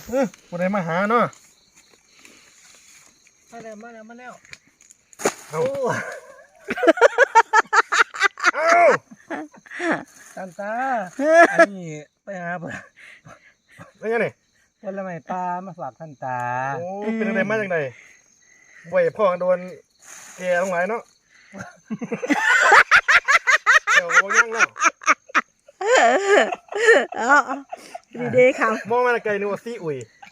คนไหนมาหาเนาะมาแล้วเอาตันตาอันนี้ไปหาเพื่อนไม่ใช่นี่ผลไม้ปลามาฝากท่านตาโอ้เป็นอะไรมาจากไหนไหวพ่อโดนแกลงไหลเนาะเดี๋ยวมองย่างแล้วดีค่ะมองมาไกลนึกว่าซีอุ่ย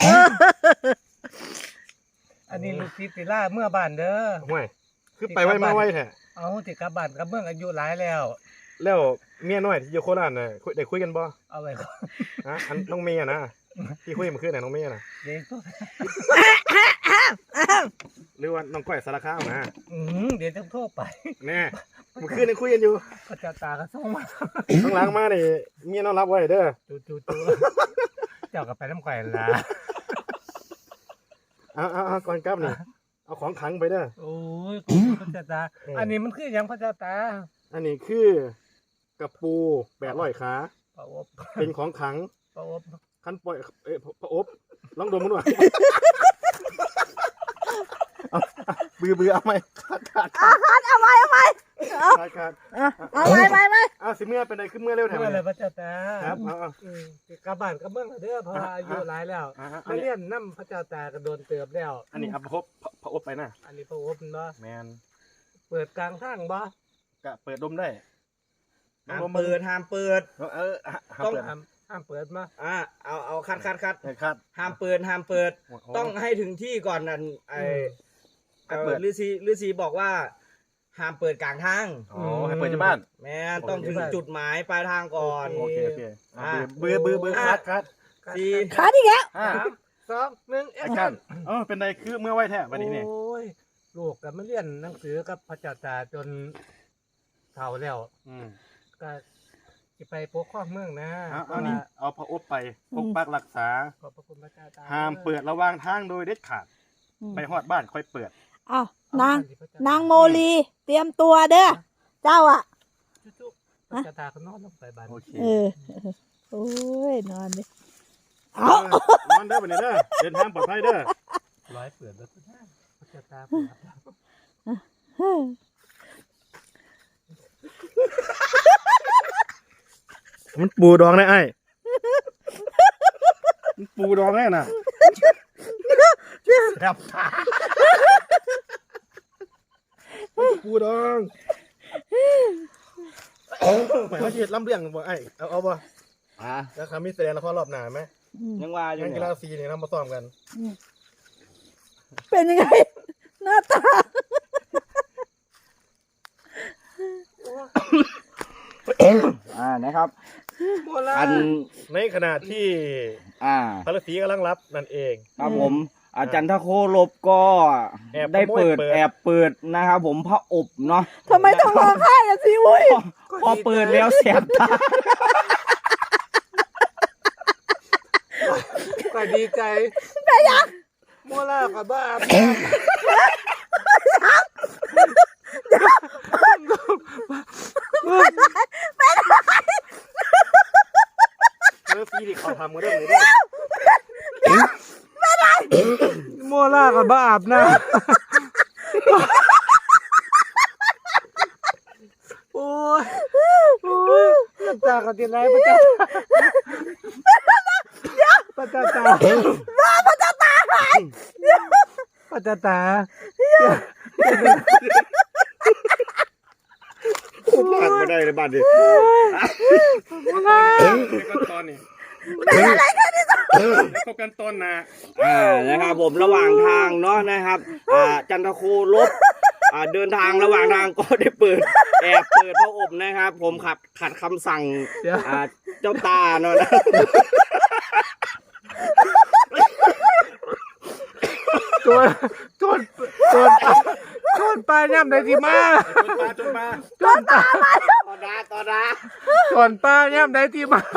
อันนี้ลูกศิษย์ติล่าเมื่อบ้านเด้อห่วยคือไปไว้มาไว้แท้เอาติกลับบ้านกับเมืองอายุหลายแล้วเมียน้อยที่อยู่โคราชน่ะได้คุยกันบ่เอาไว้ก่อนฮะอันน้องเมียนะที่คุยเมื่อคืนน่ะน้องเมียน่ะเด็กหรือว่าน้องก้อยสารคามนะเดี๋ยวต้องโทษไปแน่เมื่อคืนยังคุยกันอยู่พระเจ้าตาก็ส่งมาข้างหลังมานี่เมียน้องรับไว้เด้อจู่เจ้ากับไปน้ำไก่ละเอาก่อนกลับนี่เอาของขังไปเด้อโอ้ยพระเจ้าตาอันนี้มันคือยังพระเจ้าตาอันนี้คือกระปู800ขาปะอบเป็นของขังปะอบขั้นปล่อยปะอบลองดมมันหน่อยเบื่อเอาไหมขาดเอาไว้ขาดเอาไว้สิเมื่อเป็นไรขึ้นเมื่อเร็วแถวนี้พระเจ้าตาครับกลับบ้านกับเมืองเด้อพออายุหลายแล้วมาเรียนน้ำพระเจ้าตากระโดนเติบแล้วอันนี้เอาพระอบไปนะอันนี้พระอบเนาะแมนเปิดกลางทางบ่กะเปิดดมได้ห้ามเปิดต้องห้ามเปิดมาเอาคัดห้ามเปิดต้องให้ถึงที่ก่อนนั่นฤาษีบอกว่าห้ามเปิดกลางทางให้เปิดที่บ้านแม่ต้องถึงจุดหมายปลายทางก่อนโอเคเบื่อคัดขาดอีกแล้ว 2 1แอคชั่นเป็นไรคือเมื่อไหวแท้วันนี้นี่โอ้ยลูกกับมาเรียนหนังสือกับพระเจ้าตาจนเฒ่าแล้วก็จะไปปกครองเมืองนะเอาพระอบไปปกปักรักษาขอบพระคุณพระเจ้าตาห้ามเปิดระหว่างทางโดยเด็ดขาดไปฮอดบ้านค่อยเปิดนางโมลีเตรียมตัวเด้อเจ้าอ่ะพระเจ้าตาก็นอนลงไปบ้านโอเคโอ้ยนอนดินอนเด้อไปเด้อเดินทางปลอดภัยเด้อร้อยเปิดแล้วพระเจ้าตาเปิดมันปูดองได้ไอ้มันปูดองได้น่ะครับปูดองไปเขาจีดล้ำเรื่องบ่ไอ้เอาบ่แล้วคำมีแสดงละครรอบหน้าไหมยังว่าอยู่กีฬาสีเนี่ยเรามาซ้อมกันเป็นยังไงหน้าตานะครับในขณะที่พระฤาษีกำลังรับนั่นเองครับผมอาจารย์ทโคลบก็ได้แอบเปิดนะครับผมพระอบเนาะทำไมต้องร้องไห้ล่ะสิวุ้ยพอเปิดแล้วแสบตาก็ดีใจไปยังโมล่ากับบ้าฤาษีที่เขาทำกันเรื่องนี้ด้วยโมล่ากับบ้าอาบน้ำโอ้ยตากับตีไรพระเจ้าพระเจ้าตาพระเจ้าตาพระเจ้าตาผ่านมาได้ในบ้านดิตอนนี้เป็นอะไรกันนี่คบกันต้นนะนะครับผมระหว่างทางเนาะนะครับจันทโคลบเดินทางระหว่างทางก็ได้แอบเปิดพระอบนะครับผมขัดคำสั่งเจ้าตาเนาะจนปลาย่ำได้ที่มาจนปลาต่อดาจนปลาย่ำได้ที่มา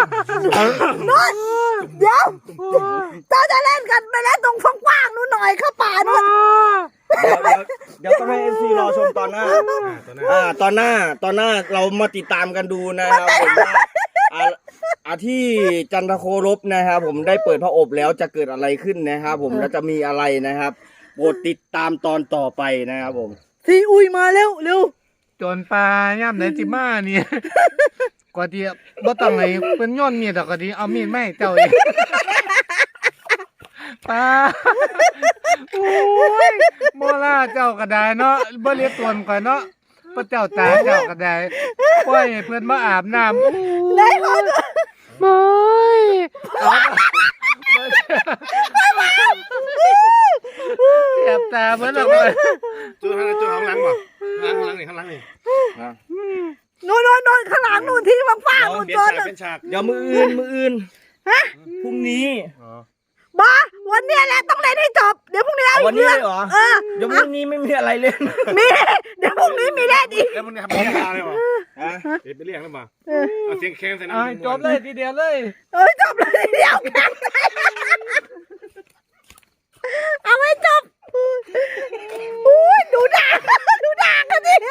เดี๋ยวเจ้าจะเล่นกันไปเล่นตรงกว้างๆนู้นหน่อยเข้าป่านู้นเดี๋ยวต้องให้MCรอชมตอนหน้าเรามาติดตามกันดูนะครับผมว่าที่จันทโคลบนะครับผมได้เปิดพระอบแล้วจะเกิดอะไรขึ้นนะครับผมแล้วจะมีอะไรนะครับโปรดติดตามตอนต่อไปนะครับผมซีอุยมาเร็วเร็วโจรปลาย่ำไหนจิมาเนี่ยกว่าที่บ่ต้องไงเพิ่นย้อนมีดดอกก็ดีเอามีดมาให้เจ้าเองปลาโอ้ยโมล่าเจ้าก็ได้เนาะบ่เรียกตนก่อนเนาะพระเจ้าตาเจ้าก็ได้ปล่อยให้เพิ่นมาอาบน้ำได้ขอโทษไม่เอาเจ็บตาเหมือนเราเลยจูข้างหลังบ่ข้างหลังนี่ข้างหลังนี่นู่นข้างหลังนู่นที่ว่างๆนู่นเปลี่โจยนรฉากเป็นฉากเดี๋ยวมืออื่นฮะพรุ่งนี้บอวันเนี้ยแหละต้องเล่นให้จบเดี๋ยวพรุ่งนี้เอาวันอีกนี้เรื่องเลยเหรอ เดี๋ยวพรุ่งนี้ไม่มีอะไรเล่นมีเดี๋ยวพรุ่งนี้มีเล่นอีกแล้วมันทำเป็นยาเลยบ่ฮะเป็นเรื่องแล้วบ่เอาเสียงแค้นใส่น้ำจบเลยทีเดียวเลยจบเลยเดี๋ยวแข่งเอาไว้จบอุ้ยดูด่ากันดิ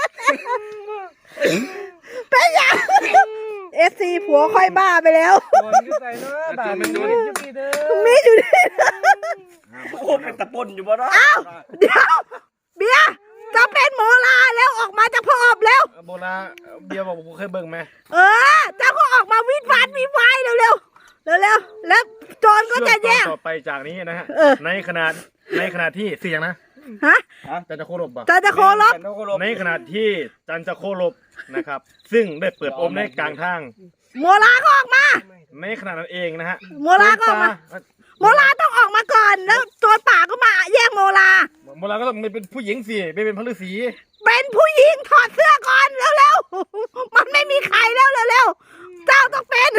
เป็นยังFC ผัวค่อยบ้าไปแล้วโดนขึ้นไปเนาะบาดมันจะมีเด้อมีอยู่ดิโอ้เป็นตะปนอยู่บ่เนาะเดี๋ยวเบียร์จะเป็นหมอลาแล้วออกมาจากพ่ออบแล้วโบราณเบียร์บอกกูเคยเบิ่งไหมเจ้าก็ออกมาวิดวานเร็วแล้วโจรก็จะแย่งต่อไปจากนี้นะฮะ ในขณะที่เสียงนะฮะจันจะโคลบบ่จะโคลบจันทโคลบในขณะที่จันจะโคลบนะครับ ซึ่งได้เปิดอมในกลางทางหมอลาก็ออกมาในขณะนั้นเองนะฮะหมอลาก็ออกมาหมอลาต้องออกมาก่อนแล้วโจรป่าก็มาแย่งหมอลาโบราณก็ต้องเป็นผู้หญิงสิไม่เป็นพระฤาษีเป็นผู้หญิงถอดเสื้อก่อนเร็วมันไม่มีใครแล้วเร็วเจ้าต้องเป็น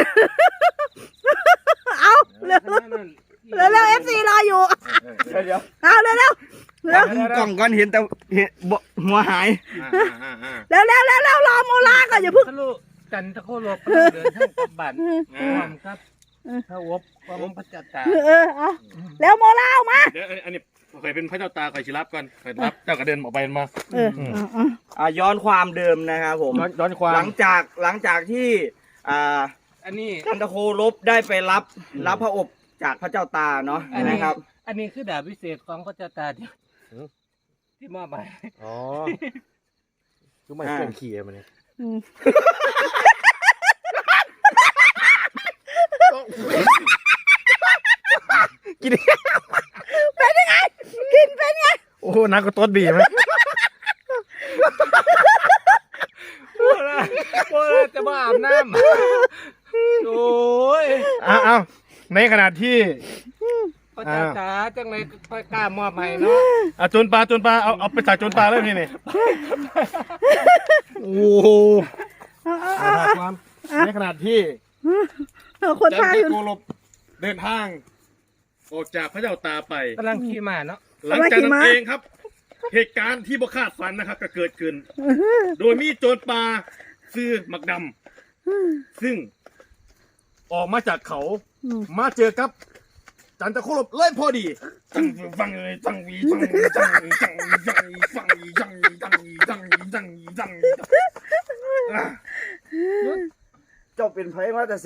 เอาเร็วFC รออยู่เดี๋ยวเอาเร็วกล่องก่อนเห็นแต่เห็นบ่หัวหายรอโมลาก่อนอย่าเพิ่งทะลุจันทโคโลกเดินทางกลับบ้านความครับพระอบของพระเจ้าตาเอาแล้วโมลาออกมาเดี๋ยวอันนี้เคยเป็นพระเจ้าตาเคยชิรับก่อนเคยรับเจ้ากระเด็นออกไปมาย้อนความเดิมนะครับผมย้อนความหลังจากที่อันนี้จันทโคลบได้ไปรับพระอบจากพระเจ้าตาเนาะนะครับอันนี้คือดาบพิเศษของพระเจ้าตาที่มอบไปอ๋อคือไม่เคลื่อนขี่มันเนี่ยกินเป็นยังไงกินเป็นไงโอ้นักก็ต้นบีไหมโอ้ยจะมาอาบน้ำโอ้ยเอาในขณะที่พระเจ้าตาจังเลยค่อยกล้ามอบให้เนาะโจรปลาเอาไปใส่โจรปลาเลยนี่โอ้โหความในขณะที่คนจันพาทอยู่โคลบเดินทางออกจากพระเจ้าตาไปกำลังขี่ม้าเนาะหลังจากนั้นเองครับ เหตุการณ์ที่บ่คาดฝันนะครับก็เกิดขึ้น โดยมีโจรปลาซื้อหมักดำซึ่งออกมาจากเขามาเจอกับจันทโคลบเลยพอดีจังฟังเลยจังวีจังวีจังวีจังวีจังวีฟังวีจังวีจังวีจังวีจังวีจังวีเจ้าเป็นไผมาแต่ใส่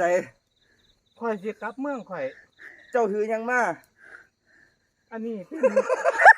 ข่อยสิกลับเมืองข่อยเจ้าถือยังมาอันนี้